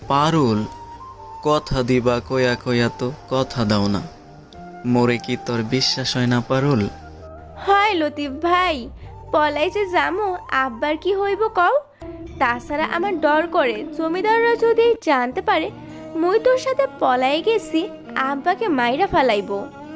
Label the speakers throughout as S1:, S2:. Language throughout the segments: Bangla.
S1: পারুল, কথা দিবা কয়া কয়া তো কথা দাও না। মোরে কি তোর বিশ্বাস হয় না পারুল?
S2: হয় লতিফ ভাই, পলাই যে যামো আব্বার কি হইব কও। তাছাড়া আমার ডর করে জমিদাররা যদি জানতে পারে মুই তোর সাথে পলাই গেছি, আব্বাকে মাইরা ফালাইব।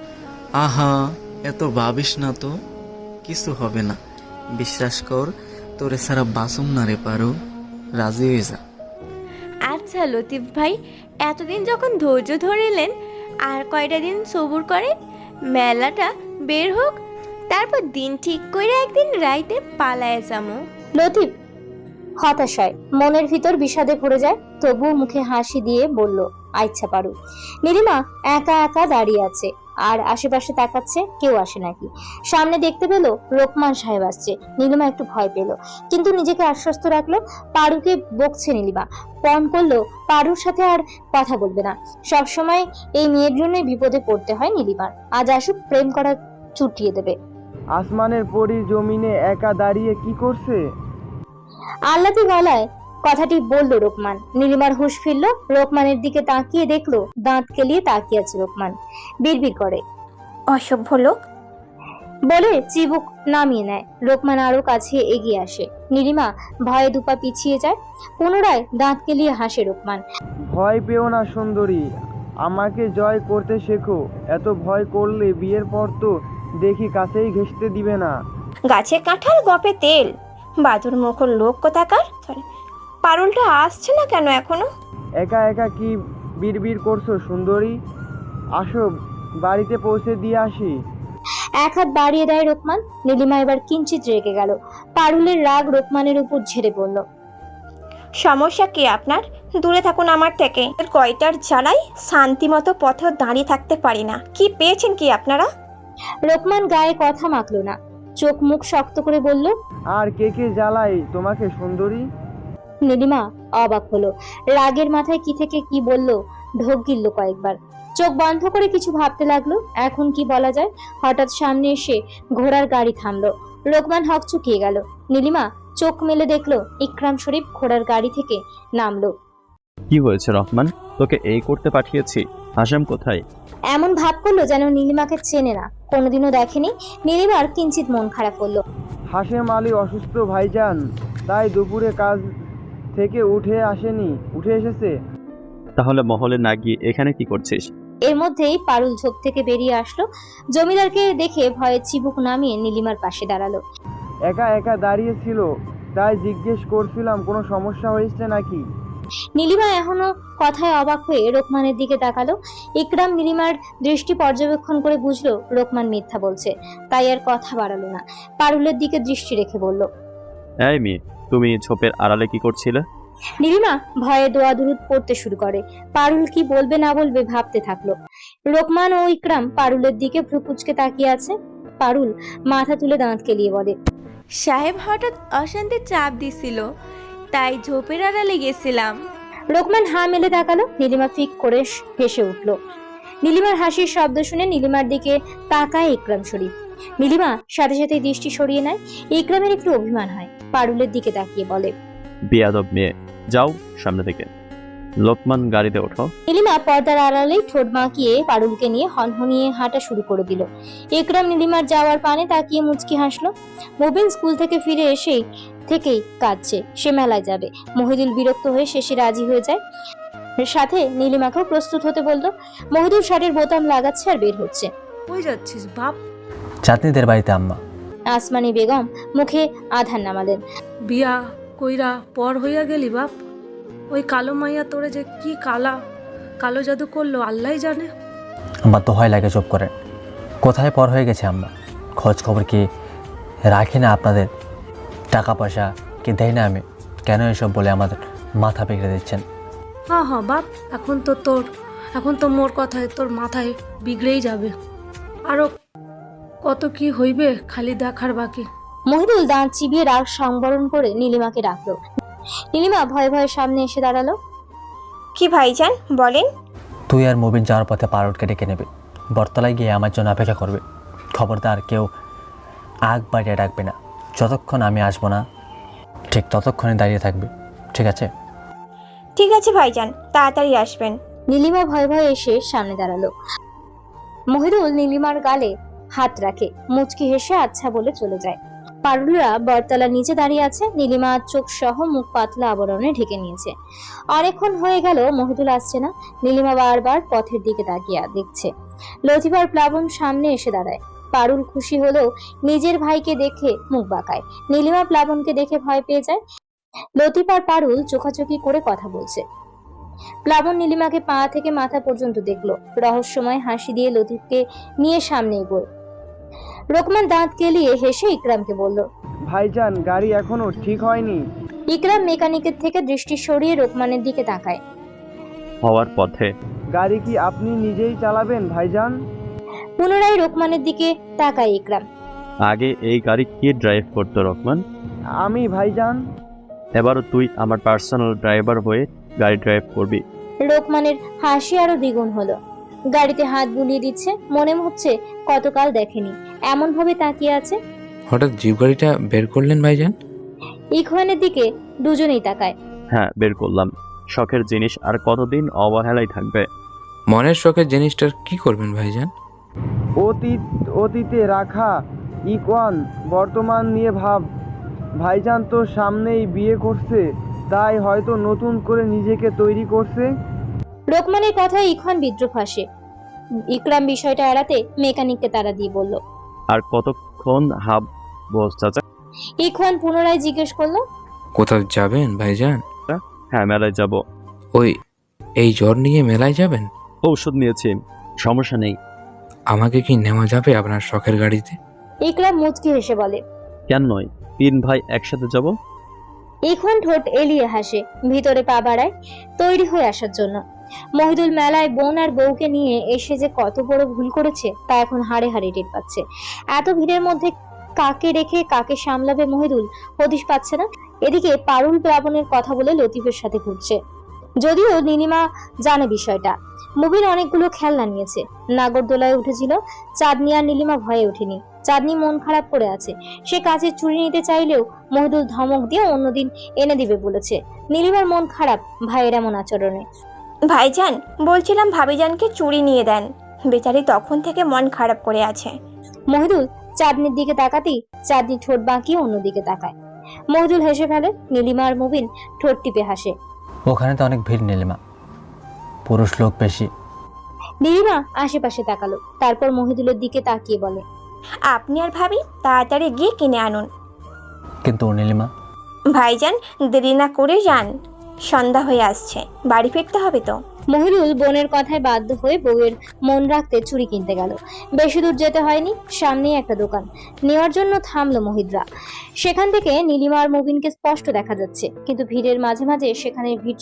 S1: আহা, এত ভাবিস না তো, কিছু হবে না। বিশ্বাস কর, তোরে ছাড়া বাসুম না রে পারুল, রাজি হয়ে যা।
S2: আচ্ছা লতিফ ভাই, এতদিন যখন ধৈর্য ধরিলেন, আর কয়টা দিন সবুর করেন, মেলাটা বের হোক, তারপর দিন ঠিক করে একদিন রাইতে পালায় যামো।
S3: লতিফ হতাশায় মনের ভিতর বিষাদে ভরে যায়, তবুও মুখে হাসি দিয়ে বলল, আচ্ছা পারু। নীলিমা একা একা দাঁড়িয়ে আছে, আর আশেপাশে তাকাচ্ছে, কেউ আসে নাকি। সামনে দেখতে পেল রোকমান সাহেব আসছে। নীলিমা একটু ভয় পেল, কিন্তু নিজেকে আশ্বস্ত রাখলো। পারুকে বকছে নীলিমা, পণ করলো পারুর সাথে আর কথা বলবে না। সবসময় এই মেয়ের জন্যই বিপদে পড়তে হয় নীলিমার। আজ আসুক, প্রেম করা চুটিয়ে দেবে।
S4: আসমানের পরী জমিনে একা দাঁড়িয়ে কি করছে?
S3: আহ্লাদি গলায় কথাটি বলল রোকমান। নীলিমার হুঁশ ফিরল, রোকমানের দিকে তাকিয়ে দেখলো দাঁত কেলিয়ে তাকিয়ে আছে রোকমান। বিড়বিড় করে,
S5: অসভ্য লোক
S3: বলে চিবুক নামিয়ে নেয়। রোকমান আরো কাছে এগিয়ে আসে। নীলিমা ভয়ে দুপা পিছিয়ে যায়। পুনরায় দাঁত কেলিয়ে হাসে রোকমান।
S4: ভয় পেও না সুন্দরী, আমাকে জয় করতে শেখো। এত ভয় করলে বিয়ের পর তো দেখি কাছেই ঘেঁষতে দিবে না।
S5: গাছে কাঁঠাল গপে তেল, বাদুর মুখর লোক কোথাকার। পারুলটা আসছে না কেন এখনো?
S4: একা একা কি বিড়বিড় করছো সুন্দরী? আসো, বাড়িতে পৌঁছে দিয়ে আসি।
S3: এক হাত বাড়িয়ে দেয় রোকমান। নীলিমা এবার কিঞ্চিত রেগে গেল। পারুলের রাগ রোকমানের উপর ঝেড়ে পড়ল।
S5: সমস্যা কি আপনার? দূরে থাকুন আমার থেকে। কয়টার জ্বালাই শান্তি মতো পথে দাঁড়িয়ে থাকতে পারি না। কি পেয়েছেন কি আপনারা?
S3: রোকমান গায়ে কথা মাখলো না, চোখ মুখ শক্ত করে বলল,
S4: আর কে কে জ্বালাই তোমাকে সুন্দরী?
S3: নীলিমা অবাক হলো। রাগের মাথায় কি থেকে কি বলল, ঢোক গিলল কয়েকবার। চোখ বন্ধ করে কিছু ভাবতে লাগলো, এখন কি বলা যায়। হঠাৎ সামনে এসে ঘোড়ার গাড়ি থামলো। রোকমান হকচকিয়ে গেল। নীলিমা চোখ মেলে দেখলো ইকরাম শরীফ ঘোড়ার গাড়ি থেকে নামলো।
S6: কি হয়েছে রহমান, তোকে এই করতে পাঠিয়েছি? হাসাম কোথায়?
S3: এমন ভাব করলো যেন নীলিমাকে চেনে না, কোনোদিনও দেখেনি। নীলিমার কিঞ্চিত মন খারাপ করলো।
S4: হাশেম আলী অসুস্থ ভাইজান, তাই দুপুরে কাজ থেকে উঠে এসেছে।
S6: তাহলে মহলে না গিয়ে এখানে কি করছিস?
S3: এর মধ্যেই পারুল ঝোপ থেকে বেরিয়ে আসলো। জমিদারকে দেখে ভয়ে চিবুক নামিয়ে নীলিমার পাশে দাঁড়ালো।
S4: একা একা দাঁড়িয়েছিল, তাই জিজ্ঞেস করছিলাম কোনো সমস্যা হয়েছে নাকি।
S3: নীলিমা এখনো কথায় অবাক হয়ে রোকমানের দিকে তাকালো। ইকরাম নীলিমার দৃষ্টি পর্যবেক্ষণ করে বুঝলো রোকমান মিথ্যা বলছে, তাই আর কথা বাড়ালো না। পারুলের দিকে দৃষ্টি রেখে বলল,
S6: এই মেয়ে, তুমি ঝোপের আড়ালে কি করছিলে?
S3: নীলিমা ভয়ে দোয়া দুরুদ পড়তে শুরু করে। পারুল কি বলবে না বলবে ভাবতে থাকলো। রোকমান ও ইকরাম পারুলের দিকে ভ্রু কুঁচকে তাকিয়ে আছে। পারুল মাথা তুলে দাঁত কেলিয়ে বলে,
S2: সাহেব হঠাৎ অশান্তি চাপ দিছিল, তাই ঝোপের আড়ালে গেছিলাম।
S3: রোকমান হা মেলে তাকালো। নীলিমা ফিক করে হেসে উঠলো। নীলিমার হাসির শব্দ শুনে নীলিমার দিকে তাকায় ইকরাম শরীফ। নীলিমা সাথে সাথে দৃষ্টি সরিয়ে নেয়। ইকরামের একটু অভিমান হয়, পারুলের দিকে তাকিয়ে বলে,
S6: বেয়াদব মেয়ে, যাও সামনে থেকে। লোকমান, গাড়িতে ওঠো।
S3: নীলিমা পর্দার আড়ালেই ঠোঁট বাঁকিয়ে পারুলকে নিয়ে হনহনিয়ে হাঁটা শুরু করে দিল। ইকরাম নীলিমার যাওয়ার পানে তাকিয়ে মুচকি হাসলো। মুবিন স্কুল থেকে ফিরে এসেই থেকেই কাঁদছে, সে মেলায় যাবে। মহিদুল বিরক্ত হয়ে শেষে রাজি হয়ে যায়। সাথে নীলিমাকেও প্রস্তুত হতে বলল। মহিদুল শার্টের বোতাম লাগাচ্ছে আর বের হচ্ছে।
S7: কই যাচ্ছিস বাপ?
S8: চাঁদনিদের বাড়িতে আম্মা।
S3: আসমানি বেগম মুখে আধার নামালেন।
S7: বিয়া কইরা পর হইয়া গেলি বাপ। ওই কালো মাইয়া তোরে যে কি কালো জাদু করলো আল্লাহই জানে।
S8: আমার তো হয় লাগে, চুপ করেন। কোথায় পর হয়ে গেছে আম্মা? খোঁজ খবর কি রাখি না আপনাদের? টাকা পয়সা কি দেয় না আমি? কেন এসব বলে আমাদের মাথা বিগড়ে দিচ্ছেন?
S7: হ্যাঁ বাপ, এখন তো মোর কথায় তোর মাথায় বিগড়েই যাবে। আরো কত কি হইবে খালি দেখার বাকি।
S3: মহিদুল দাঁত চিবিয়ে রাগ সংবরণ করে নীলিমাকে ডাকলো। নীলিমা ভয়ে ভয়ে সামনে এসে দাঁড়ালো।
S5: কি ভাইজান বলেন?
S8: তুই আর মুবিন যাওয়ার পথে পারুলকে ডেকে নেবে, বটতলায় গিয়ে আমার জন্য অপেক্ষা করবে। খবরদার কেউ আগ বাড়িয়ে ডাকবে না। যতক্ষণ আমি আসবো না ঠিক ততক্ষণে দাঁড়িয়ে থাকবে, ঠিক আছে?
S5: ঠিক আছে ভাইজান, তাড়াতাড়ি আসবেন।
S3: নীলিমা ভয়ে ভয়ে এসে সামনে দাঁড়ালো। মহিদুল নীলিমার গালে হাত রাখে, মুচকি হেসে আচ্ছা বলে চলে যায়। পারুলরা বটতলার নিচে দাঁড়িয়ে আছে। নীলিমা চোখ সহ মুখ পাতলা আবরণে ঢেকে নিয়েছে। অনেকক্ষণ হয়ে গেল মহিদুল আসছে না। নীলিমা বারবার পথের দিকে তাকিয়ে দেখছে। লতিফ আর প্লাবন সামনে এসে দাঁড়ায়। পারুল খুশি হলেও নিজের ভাইকে দেখে মুখ বাঁকায়। নীলিমা প্লাবনকে দেখে ভয় পেয়ে যায়। লতিফ আর পারুল চোখাচোখি করে কথা বলছে। প্লাবন নীলিমাকে পা থেকে মাথা পর্যন্ত দেখলো। রহস্যময় হাসি দিয়ে লতিফকে নিয়ে সামনে এগোয়। রোকমান দাঁত কেলিয়ে হেসে ইকরামকে বলল।
S4: ভাইজান, গাড়ি এখনো ঠিক হয়নি।
S3: ইকরাম মেকানিকের থেকে দৃষ্টি সরিয়ে রোকমানের দিকে তাকায়।
S6: হওয়ার পথে।
S4: গাড়ি কি আপনি নিজেই চালাবেন ভাইজান?
S3: পুনরায় রোকমানের দিকে তাকায় ইকরাম।
S6: আগে এই গাড়ি কে ড্রাইভ করতো রহমান?
S4: আমি ভাইজান।
S6: এবারও তুই আমার পার্সোনাল ড্রাইভার হয়ে গাড়ি ড্রাইভ করবি।
S3: রোকমানের হাসি আরো দ্বিগুণ হলো। গাড়িতে হাত বুলিয়ে দিচ্ছে। মনে হচ্ছে কতকাল দেখেনি, এমন ভাবে তাকিয়ে আছে।
S9: হঠাৎ জিপ গাড়িটা বের করলেন ভাইজান?
S3: ইখওয়ানের দিকে দুজনেই তাকায়।
S6: হ্যাঁ, বের করলাম। শখের জিনিস আর কতদিন অবহেলাই থাকবে?
S9: মনের শখের জিনিসটার কি করবেন ভাইজান?
S4: অতীতে রাখা ইকওয়ান বর্তমান নিয়ে ভাব। ভাইজান তো সামনেই বিয়ে করছে, তাই হয়তো নতুন করে নিজেকে তৈরি করছে।
S3: রোকমানের কথায় ইখওয়ান বিদ্রুপ হাসে। ইকরাম বিষয়টা এড়াতে মেকানিককে তাড়া দিয়ে বলল।
S6: আর কতক্ষণ হাব বস চাচা?
S3: ইখওয়ান পুনরায় জিজ্ঞেস করলো।
S9: কোথাও যাবেন ভাইজান?
S6: হ্যাঁ, মেলায় যাব।
S9: এই জ্বর নিয়ে মেলায় যাবেন?
S6: ঔষধ নিয়েছি, সমস্যা নেই।
S9: আমাকে কি নেওয়া যাবে আপনার শখের গাড়িতে?
S3: ইকরাম মুচকি হেসে বলে।
S6: কেন নয়, 3 ভাই একসাথে যাব।
S3: ইখওয়ান ঠোঁট এলিয়ে হাসে, ভিতরে পা বাড়ায় তৈরি হয়ে আসার জন্য। মহিদুল মেলায় বোন আর বউকে নিয়ে এসে যে কত বড় ভুল করেছে তা এখন হাড়ে হাড়ে টের পাচ্ছে। এত ভিড়ের মধ্যে কাকে রেখে কাকে সামলাবে মহিদুল হদিশ পাচ্ছে না। এদিকে পারুল প্লাবনের কথা বলে লতিফের সাথে ঘুরছে। যদিও নীলিমা জানে বিষয়টা। মুবিন অনেকগুলো খেলনা নিয়েছে। নাগরদোলায় উঠেছিল। চাঁদনি আর নীলিমা ভয়ে ওঠেনি। চাঁদনি মন খারাপ করে আছে। সে কাচের চুড়ি নিতে চাইলেও মহিদুল ধমক দিয়ে অন্যদিন এনে দিবে বলেছে। নীলিমার মন খারাপ ভাইয়ের এমন আচরণে।
S5: ভাইজান, বলছিলাম ভাবিজানকে চুড়ি নিয়ে দেন, বেচারি তখন থেকে মন খারাপ করে আছে।
S3: মহিদুল চাঁদনির দিকে তাকাতেই চাঁদনি ঠোঁট বাঁকিয়ে অন্যদিকে তাকায়। মহিদুল হেসে ফেলে। নীলিমা আর মুবিন ঠোঁট টিপে হাসে।
S8: ওখানে তো অনেক ভিড় নীলিমা, পুরুষ লোক বেশি।
S3: নীলিমা আশেপাশে তাকালো, তারপর মহিদুলের দিকে তাকিয়ে বলে।
S5: আপনি আর ভাবি তাড়াতাড়ি গিয়ে কিনে আনুন।
S8: কিন্তু নীলিমা।
S5: ভাইজান, দেরি না করে যান, সন্ধ্যা হয়ে আসছে, বাড়ি ফিরতে হবে তো।
S3: মহিদুল বোনের কথায় বাধ্য হয়ে বউয়ের মন রাখতে চুড়ি কিনতে গেল। বেশি দূর যেতে হয়নি, সামনেই একটা দোকান। নেওয়ার জন্য থামলো মহিদরা। সেখান থেকে নীলিমা আর মুবিনকে স্পষ্ট দেখা যাচ্ছে, কিন্তু ভিড়ের মাঝে মাঝে সেখানে ভিড়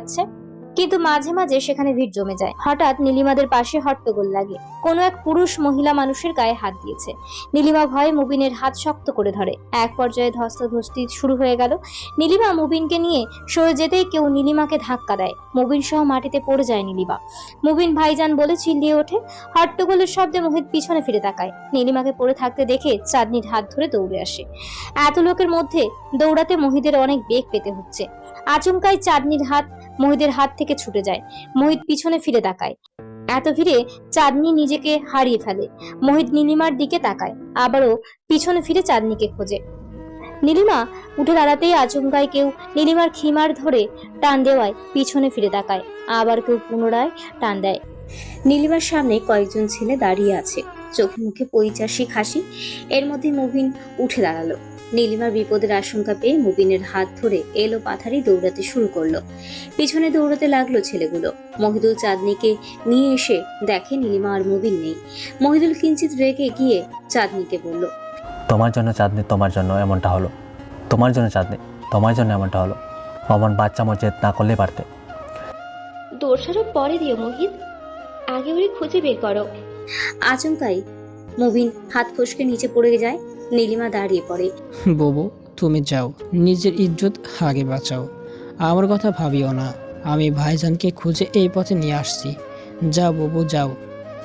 S3: জমে যায়। হঠাৎ নীলিমাদের পাশে হট্টগোল লাগে। কোনো এক পুরুষ মহিলা মানুষের গায়ে হাত দিয়েছে। নীলিমা ভয়ে মুবিনের হাত শক্ত করে ধরে। এক পর্যায়ে ধস্তাধস্তি শুরু হয়ে গেল। নীলিমা মুবিনকে নিয়ে সরে যেতেই কেউ নীলিমাকে ধাক্কা দেয়। মুবিন সহ মাটিতে পড়ে যায় নীলিমা। মুবিন ভাইজান বলে চিল্লিয়ে ওঠে। হট্টগোলের শব্দে মোহিত পিছনে ফিরে তাকায়। নীলিমাকে পড়ে থাকতে দেখে চাঁদনির হাত ধরে দৌড়ে আসে। এত লোকের মধ্যে দৌড়াতে মোহিতের অনেক বেগ পেতে হচ্ছে। আচমকাই চাঁদনির হাত মোহিতের হাত থেকে ছুটে যায়। মোহিত পিছনে ফিরে তাকায়। এত ভিড়ে চাঁদনি নিজেকে হারিয়ে ফেলে। মোহিত নীলিমার দিকে তাকায়, আবারও পিছনে ফিরে চাঁদনিকে খোঁজে। নীলিমা উঠে দাঁড়াতেই আচমকায় কেউ নীলিমার খিমার ধরে টান দেওয়ায় পিছনে ফিরে তাকায়। আবার কেউ পুনরায় টান দেয়। নীলিমার সামনে কয়েকজন ছেলে দাঁড়িয়ে আছে, চোখে মুখে পৈচাসিক হাসি। এর মধ্যে মুবিন উঠে দাঁড়ালো। নীলিমার বিপদের আশঙ্কা পেয়ে মুবিনের হাত ধরে এলো পাথারি দৌড়াতে শুরু করলো। পিছনে দৌড়াতে লাগলো ছেলেগুলো। মহিদুল চাঁদনিকে নিয়ে এসে দেখে নীলিমা আর মুবিন নেই। মহিদুল কিঞ্চিত রেগে গিয়ে চাঁদনিকে বলল।
S8: তোমার জন্য চাঁদনি, তোমার জন্য এমনটা হলো। তোমার জন্য চাঁদনি, তোমার জন্য এমনটা হলো। অমন বাচ্চা মজেদ না করলে পারতে।
S2: দোষারোপ পরে দিও মোহিত, আগে ওরে খুঁজে বের করো।
S3: আচমকাই মুবিন হাত ফসকে নিচে পড়ে যায়। নীলিমা দাঁড়িয়ে পড়ে।
S10: বাবু, তুমি যাও, নিজের ইজ্জত আগে বাঁচাও, আমার কথা ভাবিও না। আমি ভাইজানকে খুঁজে এই পথে নিয়ে আসছি। যাও বাবু, যাও।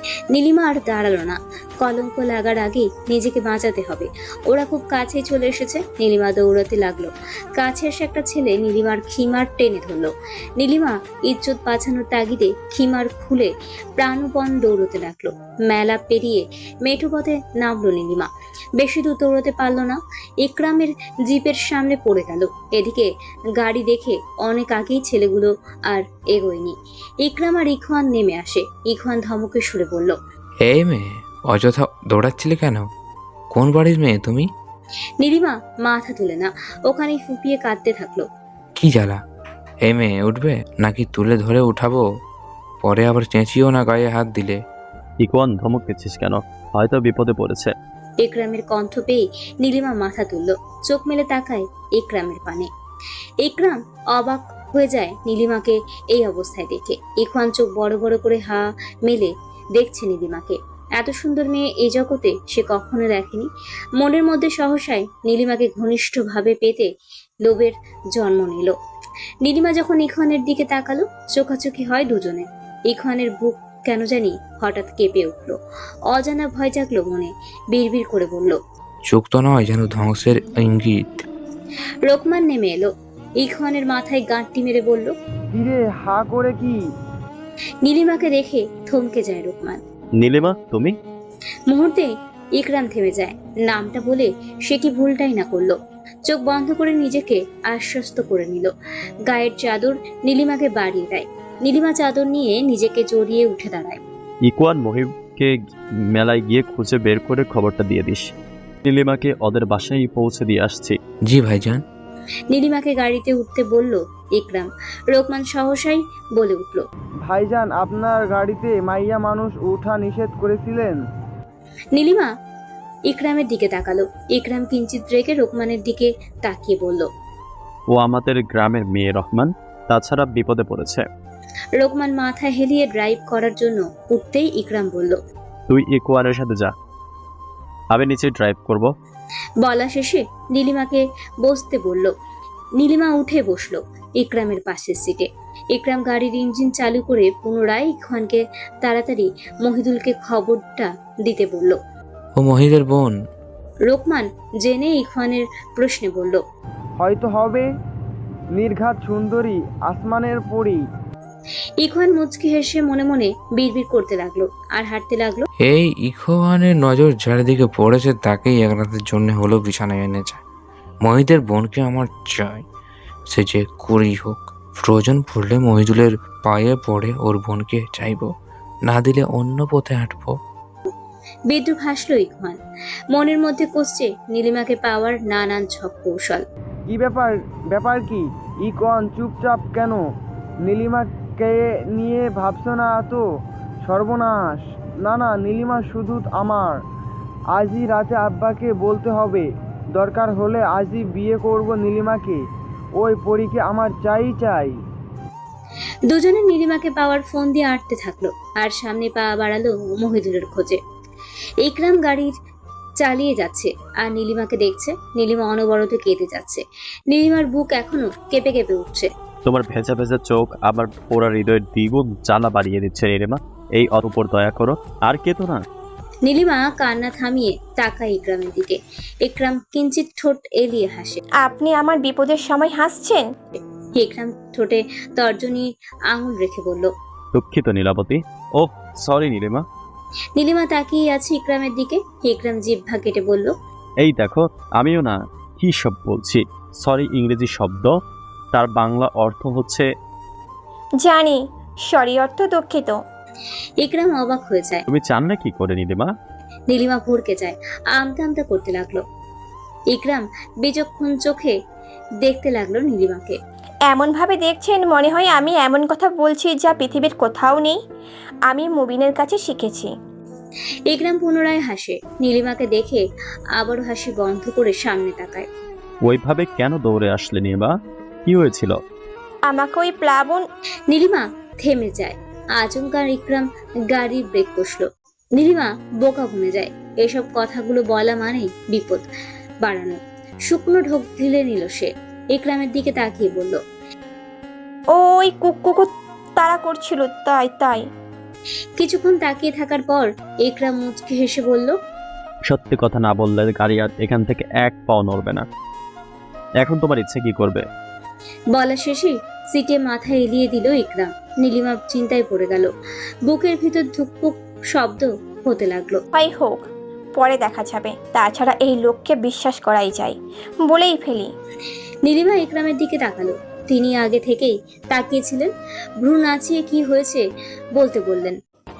S3: নীলিমা আর দাঁড়ালো না। কলঙ্ক লাগার আগেই নিজেকে বাঁচাতে হবে। ওরা খুব কাছে চলে এসেছে। নীলিমা দৌড়াতে লাগলো। কাছে এসে একটা ছেলে নীলিমার খিমার টেনে ধরলো। নীলিমা ইজ্জত বাঁচানোর তাগিদে খিমার খুলে প্রাণপণ দৌড়তে লাগলো। মেলা পেরিয়ে মেঠো পথে নামলো নীলিমা। বেশি দূর দৌড়তে পারলো না। ইকরামের জিপের সামনে পড়ে গেল। এদিকে গাড়ি দেখে অনেক আগেই ছেলেগুলো আর এগোয়নি। ইকরাম আর ইখওয়ান নেমে আসে। ইখওয়ান ধমকে সুরে বলল,
S9: এই মেয়ে, অযথা দৌড়াচ্ছিলে কেন? কোন বাড়ির মেয়ে তুমি?
S3: নীলিমা মাথা তুলে না, ওখানেই ফুপিয়ে কাঁদতে থাকলো।
S9: কি জ্বালা! এই মেয়ে উঠবে নাকি তুলে ধরে উঠাবো? পরে আবার চেঁচিও না গায়ে হাত দিলে।
S6: ইকোয়ান, ধমক দিচ্ছিস কেন? হয়তো বিপদে পড়েছে।
S3: ইকরামের কণ্ঠ পেয়ে নীলিমা মাথা তুলল। চোখ মেলে তাকায় ইকরামের পানে। ইকরাম অবাক হয়ে যায় নীলিমাকে এই অবস্থায় দেখে। ইখওয়ান চোখ বড় বড় করে হা মেলে দেখছে নীলিমাকে। এত সুন্দর মেয়ে এই জগতে সে কখনো দেখেনি। মনের মধ্যে সহসায় নীলিমাকে ঘনিষ্ঠভাবে পেতে লোভের জন্ম নিল। নীলিমা যখন ইখওয়ানের দিকে তাকালো, চোখাচোখি হয় দুজনে। ইখওয়ানের বুক কেন জানি হঠাৎ কেঁপে উঠল। অজানা ভয় জাগলো মনে। বিড়বিড় করে বলল,
S9: চোখ তো নয়, যেন ধ্বংসের ইঙ্গিত।
S3: রোকমান নেমে এলো। ইখওয়ানের মাথায় গাঁটটি মেরে বলল,
S4: কিরে হা করে কি?
S3: নীলিমাকে দেখে থমকে যায় রোকমান।
S6: নীলিমা, তুমি?
S3: মুহূর্তে ইকরাম থেমে যায়। নামটা বলে সে কি ভুলটাই না করলো। চোখ বন্ধ করে নিজেকে আশ্বস্ত করে নিল। গায়ের চাদর নীলিমাকে বাড়িয়ে দেয়। নীলিমা চাদর নিয়ে নিজেকে জড়িয়ে উঠে দাঁড়ায়।
S6: ইকোয়ান, মহিবকে মেলায় গিয়ে খুঁজে বের করে খবরটা দিয়ে দিস। নীলিমাকে ওদের বাসায় পৌঁছে দিয়ে আসছি।
S9: জি ভাইজান।
S3: নীলিমাকে গাড়িতে উঠতে বলল ইকরাম। রোকমান সহসাই বলে উঠল,
S4: ভাইজান, আপনার গাড়িতে মাইয়া মানুষ ওঠা নিষেধ করেছিলেন।
S3: নীলিমা ইকরামের দিকে তাকালো। ইকরাম কিঞ্চিত রেখে রোকমানের দিকে তাকিয়ে বলল,
S6: ও আমাদের গ্রামের মেয়ে রহমান, তাছাড়া বিপদে পড়েছে।
S3: রোকমান মাথা হেলিয়ে ড্রাইভ করার জন্য উঠতেই ইকরাম বলল,
S6: তুই ইকোয়ানের সাথে যা, আমি নিচে ড্রাইভ করব।
S3: বলা শেষে নীলিমাকে বসতে বলল। নীলিমা উঠে বসলো ইকরামের পাশের সিটে। ইকরাম গাড়ির ইঞ্জিন চালু করে পুনরায় ইখওয়ানকে তাড়াতাড়ি মহিদুলকে খবরটা দিতে বলল।
S9: ও মহিদের বোন?
S3: রোকমান জেনে ইখওয়ানের প্রশ্নে বলল,
S4: হয়তো হবে। নির্ঘাত সুন্দরী, আসমানের পরী।
S3: ইখওয়ান মুচকি হেসে মনে মনে বিড়বিড় করতে লাগলো আর হাঁটতে লাগলো।
S9: এই ইখওয়ানের নজর যার দিকে পড়েছে তাকেই এক রাতের জন্য হলেও বিছানায় এনে যায়। মহিদের বোনকে আমার চাই, সে যে করেই হোক। প্রয়োজন পড়লে মহিদুলের পায়ে পড়ে ওর বোনকে চাইবো, না দিলে অন্য পথে হাঁটবো।
S3: বিদ্রুপ হাসলো ইখওয়ান। মনের মধ্যে কষছে নীলিমাকে পাওয়ার নানান ছক কৌশল।
S4: কি ব্যাপার কি? ইকন চুপচাপ কেন? নীলিমাকে নিয়ে ভাবছো না তো? সর্বনাশ। না না, নীলিমা শুধু আমার। আজই রাতে আব্বাকে বলতে হবে। দরকার হলে আজই বিয়ে করব নীলিমাকে। ওই পরীকে আমার চাই।
S3: দুজনে নীলিমাকে পাওয়ার ফোন দিয়ে আটতে থাকলো আর সামনে পা বাড়ালো মহিদুলের খোঁজে। ইকরাম গাড়ির চালিয়ে যাচ্ছে আর নীলিমাকে দেখছে। নীলিমা অনবরত কেঁদে যাচ্ছে। নীলিমার বুক এখনো কেঁপে কেঁপে উঠছে।
S6: তোমার ভেজা ভেজা চোখ আমার পোড়া হৃদয়ের দ্বিগুণ জ্বালা বাড়িয়ে দিচ্ছে নীলিমা। এই অতঃপর দয়া করো, আর কেতো না।
S3: নীলিমা কান্না থামিয়ে তাকায় ইকরামের দিকে। ইকরাম কিঞ্চিত ঠোঁট এলিয়ে হাসে।
S5: আপনি আমার বিপদের সময় হাসছেন?
S3: ইকরাম ঠোঁটে তর্জনী আঙুল রেখে বলল,
S6: দুঃখিত নীলাবতী। Oh, sorry Nilima.
S3: নীলিমা তাকিয়ে আছে ইকরামের দিকে। ইকরাম জিহ্বা কেটে বলল,
S6: এই দেখো, আমিও না কি সব বলছি। সরি ইংরেজি শব্দ, তার বাংলা অর্থ হচ্ছে।
S5: জানি, সরি অর্থ দুঃখিত।
S3: ইকরাম অবাক হয়ে যায়।
S6: তুমি চান না কি করে নীলিমা?
S3: নীলিমা ভরকে যায়, আমতা আমতা করতে লাগলো। ইকরাম বিচক্ষণ চোখে দেখতে লাগলো নীলিমাকে।
S5: এমন ভাবে দেখছেন মনে হয় আমি এমন কথা বলছি যা পৃথিবীর কোথাও নেই। আমি মুবিনের কাছে শিখেছি।
S3: ইকরাম পুনরায় হাসে। নীলিমাকে দেখে আবারও হাসি বন্ধ করে সামনে তাকায়।
S6: ওইভাবে কেন দৌড়ে আসলে নীলিমা? কি হয়েছিল?
S5: আমাকে ওই প্লাবন।
S3: নীলিমা থেমে যায়। আচমকা ইকরাম গাড়ির ব্রেক কষলো। নীলিমা বোকা বনে যায়। এসব কথাগুলো বলা মানেই বিপদ বাড়ানো। শুকনো ঢোক ঢিলে নিল সে। ইকরামের দিকে তাকিয়ে বলল,
S5: ওই কুকুর তাড়া করছিল, তাই।
S3: কিছুক্ষণ তাকিয়ে থাকার পর ইকরাম মুচকি হেসে বলল,
S6: সত্যি কথা না বললে গাড়ি আর এখান থেকে এক পাও নড়বে না। এখন তোমার ইচ্ছে কি করবে?
S3: বলা শেষে সিটে মাথা এলিয়ে দিল ইকরাম। নীলিমা চিন্তায় পড়ে গেল। বুকের ভিতর ধুকপুক শব্দ হতে লাগলো।
S5: হয় হোক, পরে দেখা যাবে। তাছাড়া এই লোককে বিশ্বাস করাই যায়, বলেই ফেলি।
S3: নীলিমা ইকরামের দিকে তাকালো। তিনি আগে থেকেই তাকিয়েছিলেন। ভ্রু নাচিয়ে কি হয়েছে বলতে বললেন।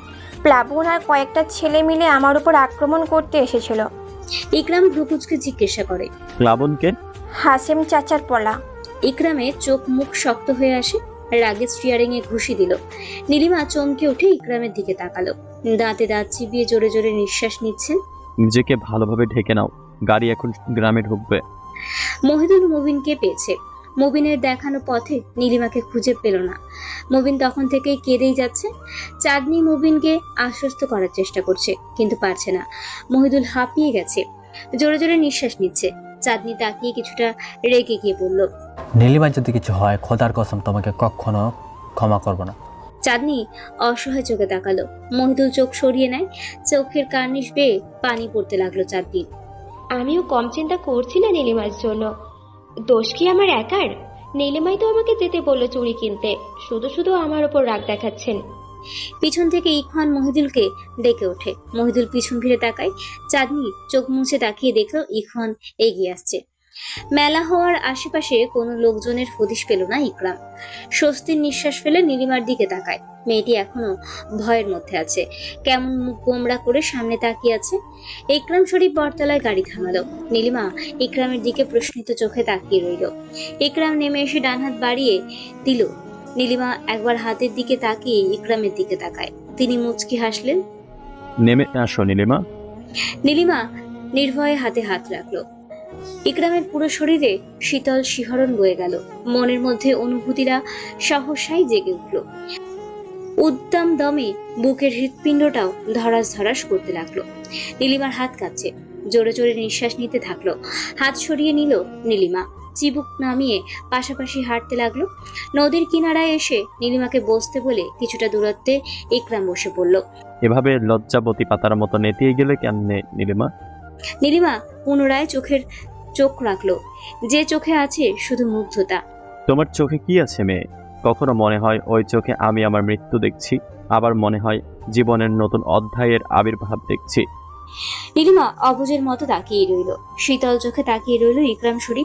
S5: প্লাবন আর কয়েকটা ছেলে মিলে আমার উপর আক্রমণ করতে এসেছিল।
S3: ইকরাম ভ্রুকুচকে জিজ্ঞাসা করে,
S6: প্লাবনকে?
S5: হাসেম চাচার পলা।
S3: ইকরামের চোখ মুখ শক্ত হয়ে আসে। রাগে স্টিয়ারিং এ ঘুষি দিল। নীলিমা চমকে উঠে ইকরামের দিকে তাকালো। দাঁতে দাঁত চিবিয়ে জোরে জোরে নিঃশ্বাস নিচ্ছেন।
S6: নিজেকে ভালোভাবে ঢেকে নাও, গাড়ি এখন গ্রামে ঢুকবে।
S3: মহিদুল মুবিনকে পেয়েছে। মুবিনের দেখানো পথে নীলিমাকে খুঁজে পেল না। মুবিন তখন থেকেই কেঁদেই যাচ্ছে। চাঁদনি মুবিনকে আশ্বস্ত করার চেষ্টা করছে, কিন্তু পারছে না। মহিদুল হাঁপিয়ে গেছে, জোরে জোরে নিঃশ্বাস নিচ্ছে। চাঁদনি তাকিয়ে কিছুটা রেগে গিয়ে বলল,
S8: নীলিমার যদি কিছু হয় খোদার কসম তোমাকে কখনো ক্ষমা করব না।
S3: চাঁদনি অসহায় চোখে তাকালো। মহিদুল চোখ সরিয়ে নেয়। চোখের কার্নিশ বেয়ে পানি পড়তে লাগলো চাঁদনির।
S11: আমিও কম চিন্তা করছি না নীলিমার জন্য। দোষ কি আমার একার? নীলিমাই তো আমাকে যেতে বললো চুড়ি কিনতে, শুধু শুধু আমার ওপর রাগ দেখাচ্ছেন।
S3: পিছন থেকে ইখওয়ান মহিদুলকে ডেকে ওঠে। মহিদুল পিছন ফিরে তাকায়। চাঁদনি চোখ মুছে তাকিয়ে দেখলো ইখওয়ান এগিয়ে আসছে। মেলা হওয়ার আশেপাশে কোনো লোকজনের হদিশ পেল না ইকরাম। স্বস্তির নিঃশ্বাস ফেলে নীলিমার দিকে তাকায়। মেয়েটি এখনো ভয়ের মধ্যে আছে, কেমন মুখ গোমড়া করে সামনে তাকিয়ে আছে। ইকরাম শরীফ বটতলায় গাড়ি থামালো। নীলিমা ইকরামের দিকে প্রশ্নিত চোখে তাকিয়ে রইল। ইকরাম নেমে এসে ডান হাত বাড়িয়ে দিল। নীলিমা একবার হাতের দিকে তাকিয়ে ইকরামের দিকে তাকায়। তিনি মুচকি হাসলেন।
S6: নেমে আসো নীলিমা।
S3: নীলিমা নির্ভয়ে হাতে হাত রাখলো। ইকরামের পুরো শরীরে শীতল শিহরণ বয়ে গেল। মনের মধ্যে অনুভূতিরা সহসাই জেগে উঠল। উদ্দাম দমে বুকের হৃৎপিণ্ডটাও ধরাস ধরাস করতে লাগলো। নীলিমার হাত কাঁপছে, জোরে জোরে নিঃশ্বাস নিতে থাকলো। হাত সরিয়ে নিল নীলিমা, চিবুক নামিয়ে পাশাপাশি হাঁটতে লাগলো। নদীর কিনারায় এসে নীলিমাকে বসতে বলে কিছুটা দূরত্বে ইকরাম বসে পড়ল।
S6: এভাবে লজ্জাবতী পাতার মতো নেতিয়ে গেলে কেমনে নীলিমা?
S3: নীলিমা পুনরায় চোখ রাখলো। যে চোখে আছে শুধু মুগ্ধতা।
S6: তোমার চোখে কি আছে মেয়ে? কখনো মনে হয় ওই চোখে আমি আমার মৃত্যু দেখছি, আবার মনে হয় জীবনের নতুন অধ্যায়ের আবির্ভাব দেখছি।
S3: নীলিমা অবুঝের মতো তাকিয়ে রইল। শীতল চোখে তাকিয়ে রইল ইকরাম শরীফ।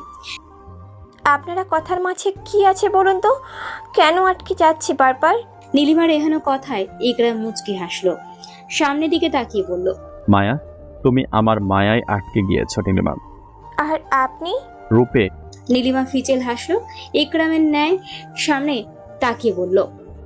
S5: আপনারা কথার মাঝে কি আছে বলুন তো? কেন আটকে যাচ্ছি বারবার?
S3: নীলিমার এহেন কথায় ইকরাম মুচকি হাসলো। সামনের দিকে তাকিয়ে বলল,
S6: মায়া, তুমি আমার মায়ায় আটকে গিয়েছো নীলিমা।
S5: আর আপনি?
S6: রূপে।
S3: নীলিমা ফিচেল হাসলো। ইকরামের ন্যায় সামনে তাকিয়ে বলল,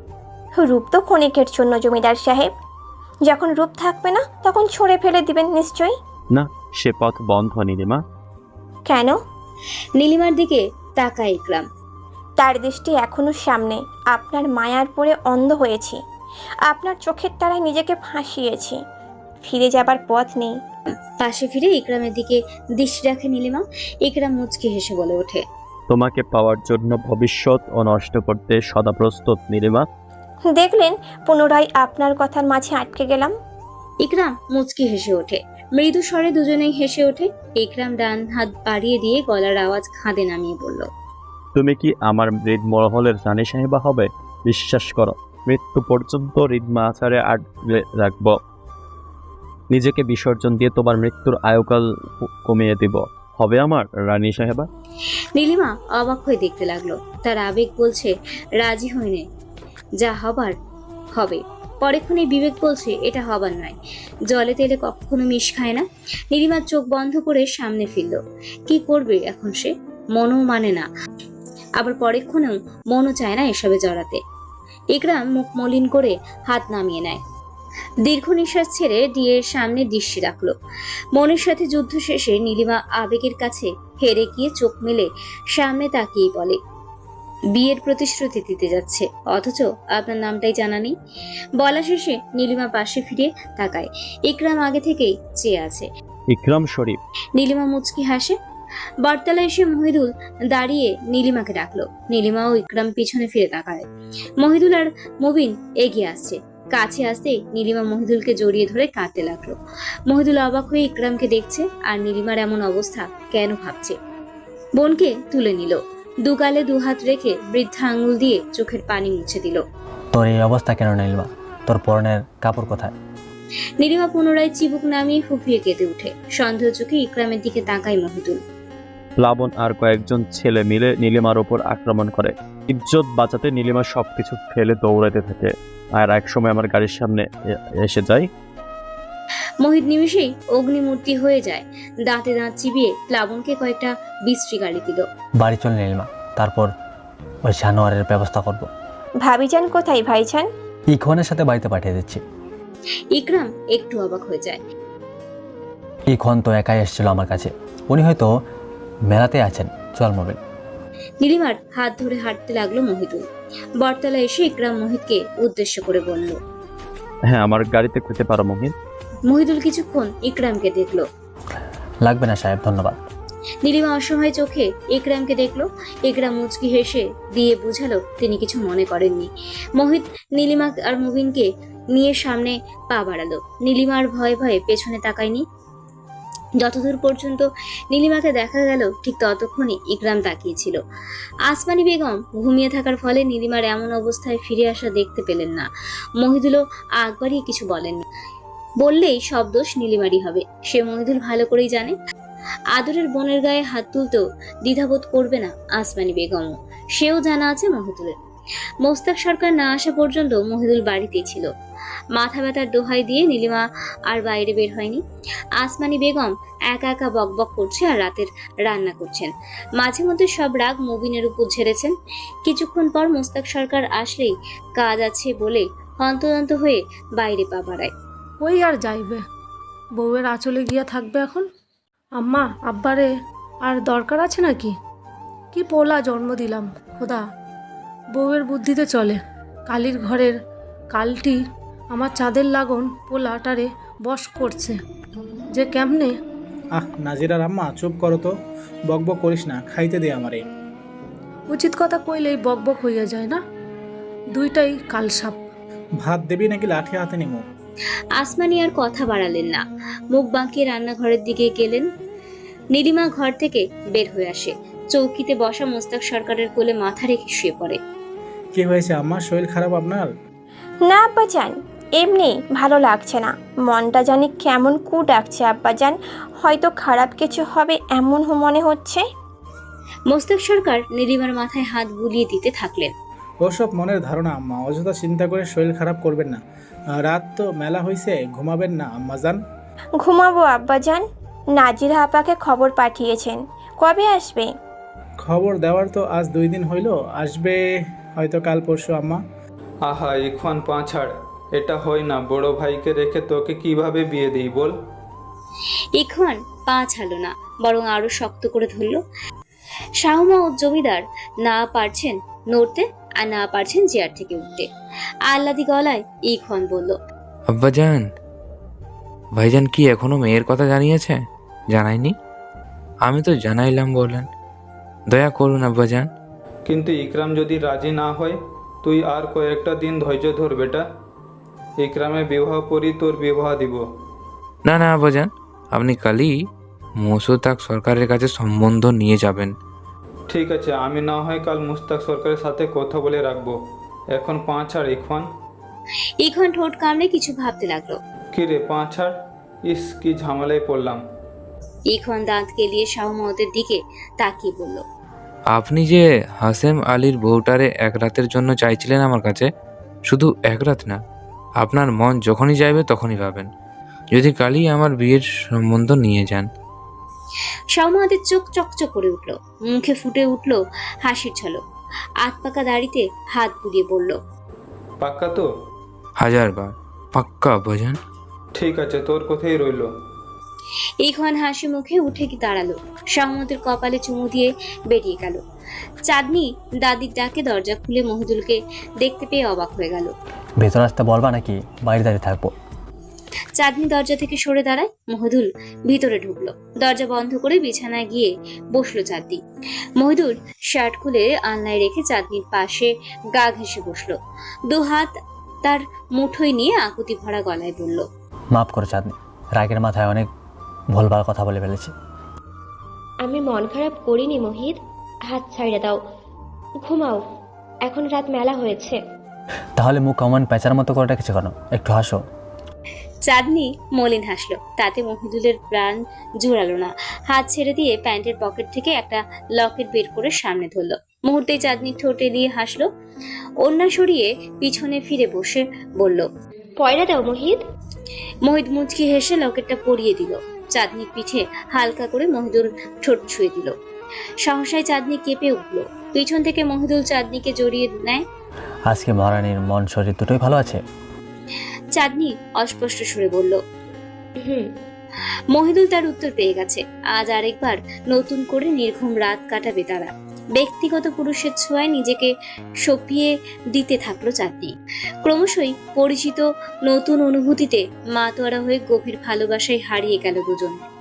S5: রূপ তো ক্ষণিকের জন্য জমিদার সাহেব। যখন রূপ থাকবে না তখন ছড়ে ফেলে দিবেন নিশ্চয়ই।
S6: না, সে পথ বন্ধ নীলিমা।
S5: কেন?
S3: নীলিমার দিকে তাকায় ইকরাম।
S5: তার দৃষ্টি এখনো সামনে। আপনার মায়ার পরে অন্ধ হয়েছি, আপনার চোখের তারায় নিজেকে ফাঁসিয়েছি। ফিরে যাবার পথ নেই।
S3: পাশে ফিরে ইকরামের দিকে দৃষ্টি রাখে নীলিমা। ইকরাম মুচকি হেসে বলে ওঠে,
S6: তোমাকে পাওয়ার জন্য ভবিষ্যৎ ও নষ্ট করতে সদা প্রস্তুত নীলিমা।
S5: দেখলেন, পুনরায় আপনার কথার মাঝে আটকে গেলাম।
S3: ইকরাম মুচকি হেসে ওঠে। মৃদু স্বরে দুজনেই হেসে ওঠে। ইকরাম ডান হাত বাড়িয়ে দিয়ে গলার আওয়াজ খাদে নামিয়ে বলল,
S6: তুমি কি আমার হৃদ মহলের রানী সাহেবা হবে? বিশ্বাস করো, মৃত্যু পর্যন্ত হৃদমা আচারে আটকে রাখব। নিজেকে বিসর্জন দিয়ে তোমার মৃত্যুর আয়ুকাল কমিয়ে দিব। হবে আমার রানী সাহেবা?
S3: নীলিমা অবাক হয়ে দেখতে লাগলো। তার আবেগ বলছে রাজি হইনে, যা হবার হবে। পরেক্ষণে বিবেক বলছে এটা হবার নয়। জলে তেলে কখনো মিশ খায় না। নীলিমার চোখ বন্ধ করে সামনে ফিরল। কি করবে এখন সে? মনও মানে না, আবার পরেক্ষণেও মনও চায় না এসবে জড়াতে। ইকরাম মুখ মলিন করে হাত নামিয়ে নেয়। দীর্ঘ নিঃশ্বাস ছেড়ে ডিয়ের সামনে দৃষ্টি রাখলো। মনের সাথে যুদ্ধ শেষে নীলিমা আবেগের কাছে হেরে গিয়ে চোখ মেলে সামনে তাকিয়ে বলে, বিয়ের প্রতিশ্রুতি দিতে যাচ্ছে, অথচ আপনার নামটাই জানা নেই। বলা শেষে নীলিমা পাশে ফিরে তাকায়। ইকরাম আগে থেকেই চেয়ে আছে।
S6: ইকরাম শরীফ।
S3: নীলিমা মুচকি হাসে। বটতলায় এসে মহিদুল দাঁড়িয়ে নীলিমাকে ডাকলো। নীলিমা ও ইকরাম পিছনে ফিরে তাকায়। মহিদুল আর মুবিন এগিয়ে আসছে। কাছে আসতে নীলিমা মহিদুলকে জড়িয়ে ধরে কাঁদতে লাগলো। মহিদুল অবাক হয়ে ইকরামকে দেখছে আর নীলিমার এমন অবস্থা কেন ভাবছে। বোনকে তুলে নিল, দুগালে দুহাত রেখে বৃদ্ধা আঙ্গুল দিয়ে চোখের পানি মুছে দিল।
S8: তোর এই অবস্থা কেন নীলিমা? তোর পরনের কাপড় কোথায়?
S3: নীলিমা পুনরায় চিবুক নামিয়ে ফুফিয়ে কেঁদে উঠে। সন্দেহ চোখে ইকরামের দিকে তাকায় মহিদুল।
S6: প্লাবন আর কয়েকজন ছেলে মিলে নীলিমার ওপর আক্রমণ করে। ইজ্জত বাঁচাতে নীলিমা সবকিছু ফেলে দৌড়াতে থাকে আর একসময় আমার গাড়ির সামনে এসে যায়।
S3: মোহিত নিমিষেই অগ্নিমূর্তি হয়ে যায়। দাঁতে দাঁত চিবিয়ে প্লাবনকে কয়েকটা বিশ্রী গালি দিল।
S8: বাড়ি চল নীলিমা, তারপর ওই জানোয়ারের ব্যবস্থা করব।
S5: ভাবিজান কোথায় ভাইজান?
S8: ইখওয়ানের সাথে বাড়িতে পাঠিয়ে দিচ্ছি।
S3: ইকরাম একটু অবাক হয়ে যায়।
S8: ইখন তো একাই এসেছিল আমার কাছে, উনি হয়তো মেলাতে আছেন। চল মোবিল।
S3: নীলিমার হাত ধরে হাঁটতে লাগলো মহিদুল। বটতলা এসে ইকরাম মোহিতকে উদ্দেশ্য করে বলল।
S6: হ্যাঁ, আমার গাড়িতে যেতে পারো মোহিত।
S3: মহিদুল কিছুক্ষণ ইকরামকে দেখলো।
S8: লাগবে না সাহেব, ধন্যবাদ।
S3: নীলিমা অসহায় চোখে ইকরামকে দেখলো। ইকরাম মুচকি হেসে দিয়ে বুঝালো তিনি কিছু মনে করেননি। মোহিত নীলিমা আর মুবিনকে নিয়ে সামনে পা বাড়ালো। নীলিমা আর ভয়ে ভয়ে পেছনে তাকায়নি। যতদূর পর্যন্ত নীলিমাকে দেখা গেল ঠিক ততক্ষণই ইকরাম তাকিয়েছিল। আসমানি বেগম ঘুমিয়ে থাকার ফলে নীলিমার এমন অবস্থায় ফিরে আসা দেখতে পেলেন না। মহিদুলও আগ বাড়িয়ে কিছু বলেননি। বললেই সব দোষ নীলিমারই হবে, সে মহিদুল ভালো করেই জানে। আদরের বোনের গায়ে হাত তুলতেও দ্বিধাবোধ করবে না আসমানি বেগমও, সেও জানা আছে মহিদুলের। মোস্তাক সরকার না আসা পর্যন্ত মহিদুল বাড়িতেই ছিল। মাথা ব্যথার দোহাই দিয়ে নীলিমা আর বাইরে বের হয়নি। আসমানি বেগম একা একা বকবক করছে আর রাতের রান্না করছেন। মাঝে মধ্যে সব রাগ মুবিনের উপর ঝেড়েছেন। কিছুক্ষণ পর মোস্তাক সরকার আসলেই কাজ আছে বলে হন্তদন্ত হয়ে বাইরে পা বাড়ায়।
S7: ওই আর যাইবে, বউয়ের আঁচলে গিয়া থাকবে এখন। আম্মা আব্বারে আর দরকার আছে নাকি? কি পোলা জন্ম দিলাম খোদা, বউয়ের বুদ্ধিতে চলে। কালির ঘরের কালটি আমার চাঁদের লাগন পোলাটারে বশ করছে যে কেমনে।
S12: নাজিরার আম্মা চুপ করো তো, বকবক করিস না, খাইতে দে আমারে।
S7: উচিত কথা কইলেই বকবক হইয়া যায় না, দুইটাই কালসাপ।
S12: ভাত দেবি নাকি লাঠি হাতে নিমু?
S3: আসমানি আর কথা বাড়ালেন না, মুখ বাঁকিয়ে রান্নাঘরের দিকে গেলেন। নীলিমা ঘর থেকে বের হয়ে আসে, চৌকিতে বসা মোস্তাক সরকারের কোলে মাথা রেখে শুয়ে পড়ে।
S12: কি হয়েছে আম্মা, শরীর খারাপ আপনার?
S5: না আব্বাজান, এমনি ভালো লাগছে না, মনটা জানি কেমন কু ডাকছে আব্বাজান, হয়তো খারাপ কিছু হবে এমন মনে হচ্ছে।
S3: মোস্তাক সরকার নীলিমার মাথায় হাত বুলিয়ে দিতে থাকলেন।
S12: ওসব মনের ধারণা আম্মা, অযথা চিন্তা করে শরীর খারাপ করবেন না। রাত তো মেলা হয়েছে, ঘুমাবেন না আম্মাজান?
S5: ঘুমাবো আব্বাজান। নাজিরা আপাকে খবর পাঠিয়েছেন, কবে আসবে?
S12: খবর দেওয়ার তো আজ 2 দিন হইল, আসবে হয়তো কাল পরশু আম্মা।
S13: আহা ইখন পাঁছাড়, এটা হয় না। বড় ভাইকে রেখে তোকে কিভাবে বিয়ে দিই বল?
S3: ইখন পা ছাড়লো না, বরং আরো শক্ত করে ধরল। শাহুমা ও জমিদার না পারছেন নড়তে আর না পারছেন চেয়ার থেকে উঠতে। আহ্লাদি গলায় ইখন বলল,
S9: আব্বাজান, ভাইজান কি এখনো মেয়ের কথা জানিয়েছে? জানায়নি? আমি তো জানাইলাম বললেন। দয়া করুন আব্বাজান।
S13: কিন্তু ইকরাম যদি রাজি না হয়, তুই আর কয়েকটা দিন ধৈর্য ধর বেটা। ইকরামে বিবাহ করি তোর বিবাহ দিব।
S9: না না আব্বাজান, আপনি কালই মোস্তাক সরকারের কাছে সম্বন্ধ নিয়ে যাবেন।
S13: ঠিক আছে, আমি না হয় কাল মুস্তাক সরকারের সাথে কথা বলে রাখবো। এখন পাঁছাড় ইখন।
S3: ইখন ঠোঁট কামড়ে কিছু ভাবতে লাগলো।
S13: কি রে পাঁছাড়, ইস কি ঝামেলায় পড়লাম।
S3: ইখন দাঁত কেলিয়ে শাহুমাওতের দিকে তাকিয়ে বলল,
S9: আপনি যে হাসেম আলীর বউটারে এক রাতের জন্য চাইছিলেন আমার কাছে, শুধু এক রাত না, আপনার মন যখনই চাইবে তখনই পাবেন, যদি কালই আমার বিয়ের সম্বন্ধ নিয়ে যান।
S3: শাহুমাওতের চোখ চকচক করে উঠল, মুখে ফুটে উঠল হাসির ঝলক। আধ পাকা দাড়িতে হাত বুলিয়ে বলল,
S13: পাক্কা তো?
S9: 1000 বার পাক্কা আব্বাজান।
S13: ঠিক আছে, তোর কথাই রইল।
S3: ইখন হাসি মুখে উঠে কি দাঁড়ালো, শাহুমতের কপালে চুমু দিয়ে বেরিয়ে গেল। চাঁদনি দাদির ডাকে দরজা খুলে মহিদুলকে দেখতে পেয়ে অবাক হয়ে গেল।
S8: ভেতর আসতে বলবা নাকি বাইরে দাঁড়িয়ে থাকবো?
S3: চাঁদনি দরজা থেকে সরে দাঁড়ায়। মহিদুল ভিতরে ঢুকলো, দরজা বন্ধ করে বিছানায় গিয়ে বসলো চাঁদনি। মহিদুল শার্ট খুলে আলনায় রেখে চাঁদনির পাশে গা ঘেঁষে বসলো, 2 হাত
S14: তার মুঠোয় নিয়ে আকুতি ভরা গলায় বলল,
S8: মাফ করো চাঁদনি, রাগের মাথায় অনেক ভুলভাল কথা বলে ফেলেছি।
S11: আমি মন খারাপ করিনি মোহিত, হাত ছাইড়ে দাও, ঘুমাও, এখন রাত মেলা হয়েছে।
S8: তাহলে মুখ কমন প্যাঁচার মতো করে রেখেছে কেন? একটু হাসো।
S14: চাঁদনি মলিন হাসলো, তাতে মহিদুলের প্রাণ জোড়ালো না। হাত ছেড়ে দিয়ে প্যান্টের পকেট থেকে একটা লকেট বের করে সামনে ধরলো। মুহূর্তেই চাঁদনি ঠোঁটে দিয়ে হাসলো, ওড়না সরিয়ে পিছনে ফিরে বসে বলল,
S11: পয়রা দাও মোহিত।
S14: মহিদ মুচকি হেসে লকেটটা পরিয়ে দিল। চাঁদনির পিঠে হালকা করে মহিদুল ঠোঁট ছুঁয়ে দিল। সহসায় চাঁদনি কেঁপে উঠল। পিছন থেকে মহিদুল চাঁদনিকে জড়িয়ে নেয়।
S8: আজকে মহারানীর মন শরীর দুটোই ভালো আছে?
S14: চাঁদনি অস্পষ্ট সুরে বলল,
S11: হুম।
S14: মহিদুল তার উত্তর পেয়ে গেছে। আজ আরেকবার নতুন করে নির্ঘুম রাত কাটাবে তারা। ব্যক্তিগত পুরুষের ছোঁয়ায় নিজেকে সঁপিয়ে দিতে থাকলো চাঁদনি। ক্রমশই পরিচিত নতুন অনুভূতিতে মাতোয়ারা হয়ে গভীর ভালোবাসায় হারিয়ে গেল দুজন।